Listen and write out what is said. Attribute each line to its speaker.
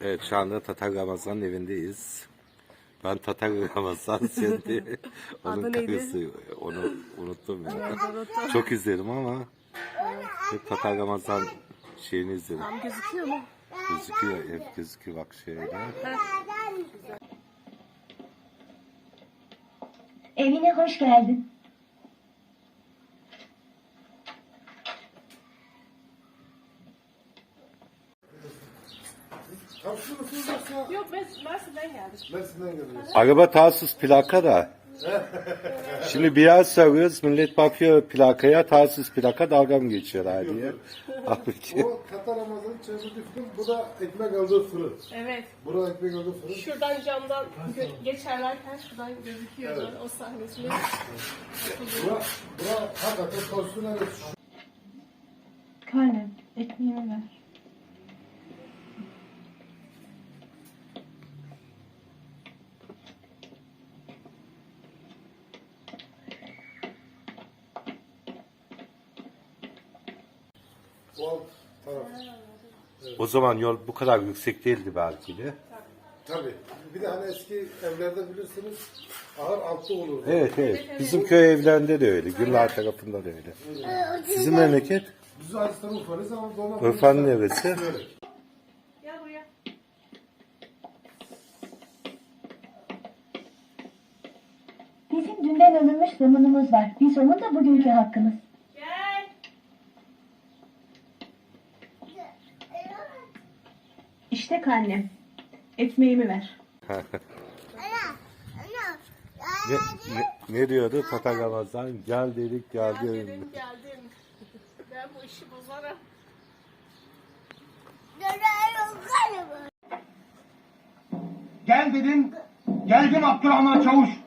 Speaker 1: Evet, şu anda Tatar Ramazan'ın evindeyiz. Ben Tatar Ramazan, sen de onun
Speaker 2: Adı neydi?
Speaker 1: karısı. Onu unuttum ya.
Speaker 2: Evet, unuttum.
Speaker 1: Çok izledim ama hep Tatar Ramazan şeyini izledim.
Speaker 2: Tam gözüküyor mu?
Speaker 1: Gözüküyor, hep gözüküyor bak şöyle.
Speaker 3: Evine hoş geldin.
Speaker 2: Yok, Mersin'den geldik.
Speaker 4: Mersin'den geliyoruz.
Speaker 1: Araba Tarsus plaka da. Şimdi biraz soruyoruz, millet bakıyor plakaya, Tarsus plaka, dalga mı geçiyorlar diye. Halbuki
Speaker 4: O Tatar Ramazan'ın çevirdiği film, bu da ekmek aldığı fırın.
Speaker 2: Evet.
Speaker 4: Burada ekmek aldığı fırın.
Speaker 2: Şuradan camdan geçerlerken şuradan gözüküyordu o sahnesini.
Speaker 4: Bura hakikaten konusuna evet.
Speaker 3: Karnım, ekmeğimi ver.
Speaker 4: O alt taraf.
Speaker 1: o zaman yol bu kadar yüksek değildi belki de.
Speaker 4: Tabii. Bir de hani eski evlerde bilirsiniz ahır altta olurdu.
Speaker 1: Evet evet. Bizim köy evlerinde de öyle. Gürler tarafında da öyle. Sizin memleket?
Speaker 4: Biz Aziz Urfa'lıyız ama doğma
Speaker 1: Urfa'nın neresi?
Speaker 4: Böyle.
Speaker 2: Gel buraya.
Speaker 3: Bizim dünden alınmış zamanımız var. Biz onun da bugünkü hakkımız.
Speaker 2: Gel.
Speaker 3: İşte karnem. Ekmeğimi ver.
Speaker 1: Ne diyordu Tatar Ramazan? Gel dedik geldi.
Speaker 2: Geldim. Ben bu işi bozarım.
Speaker 5: Gel dedin, geldim Abdurrahman Çavuş.